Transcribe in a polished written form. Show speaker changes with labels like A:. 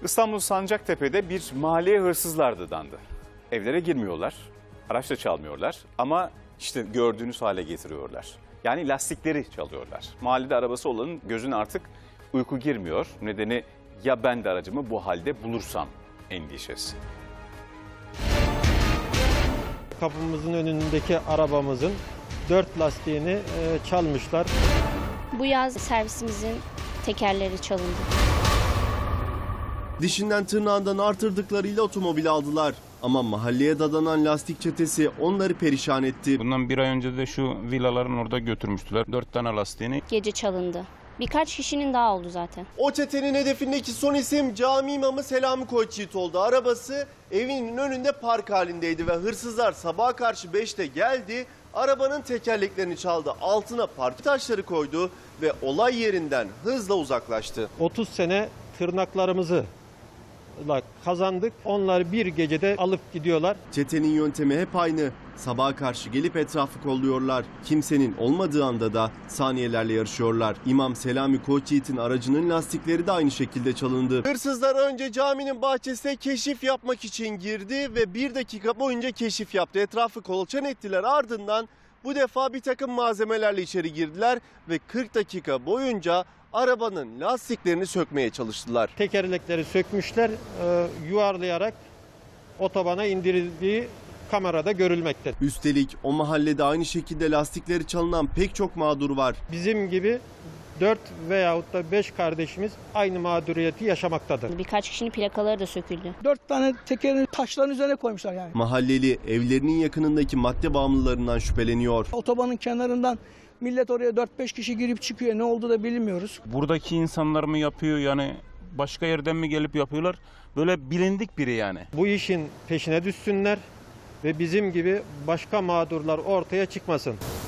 A: İstanbul Sancaktepe'de bir mahalleye hırsızlar dadandı. Evlere girmiyorlar, araç da çalmıyorlar ama işte gördüğünüz hale getiriyorlar. Yani lastikleri çalıyorlar. Mahallede arabası olanın gözüne artık uyku girmiyor. Nedeni ya ben de aracımı bu halde bulursam endişesi.
B: Kapımızın önündeki arabamızın 4 lastiğini çalmışlar.
C: Bu yaz servisimizin tekerleri çalındı.
D: Dişinden tırnağından artırdıklarıyla otomobil aldılar. Ama mahalleye dadanan lastik çetesi onları perişan etti.
E: Bundan bir ay önce de şu villaların orada götürmüştüler 4 tane lastiğini.
C: Gece çalındı. Birkaç kişinin daha oldu zaten.
D: O çetenin hedefindeki son isim cami imamı Selami Koçyiğit oldu. Arabası evinin önünde park halindeydi ve hırsızlar sabaha karşı 5'te geldi. Arabanın tekerleklerini çaldı, altına park taşları koydu ve olay yerinden hızla uzaklaştı.
B: 30 sene tırnaklarımızı kazandık. Onları bir gecede alıp gidiyorlar.
D: Çetenin yöntemi hep aynı. Sabaha karşı gelip etrafı kolluyorlar. Kimsenin olmadığı anda da saniyelerle yarışıyorlar. İmam Selami Koçyiğit'in aracının lastikleri de aynı şekilde çalındı. Hırsızlar önce caminin bahçesine keşif yapmak için girdi ve 1 dakika boyunca keşif yaptı. Etrafı kolaçan ettiler, ardından bu defa bir takım malzemelerle içeri girdiler ve 40 dakika boyunca arabanın lastiklerini sökmeye çalıştılar.
B: Tekerlekleri sökmüşler, yuvarlayarak otobana indirildiği kamerada görülmekte.
D: Üstelik o mahallede aynı şekilde lastikleri çalınan pek çok mağdur var.
B: Bizim gibi 4 veyahut da 5 kardeşimiz aynı mağduriyeti yaşamaktadır.
C: Birkaç kişinin plakaları da söküldü.
F: 4 tane tekerini taşların üzerine koymuşlar yani.
D: Mahalleli evlerinin yakınındaki madde bağımlılarından şüpheleniyor.
F: Otobanın kenarından millet oraya 4-5 kişi girip çıkıyor. Ne oldu da bilmiyoruz.
E: Buradaki insanlar mı yapıyor yani başka yerden mi gelip yapıyorlar? Böyle bilindik biri yani.
B: Bu işin peşine düşsünler ve bizim gibi başka mağdurlar ortaya çıkmasın.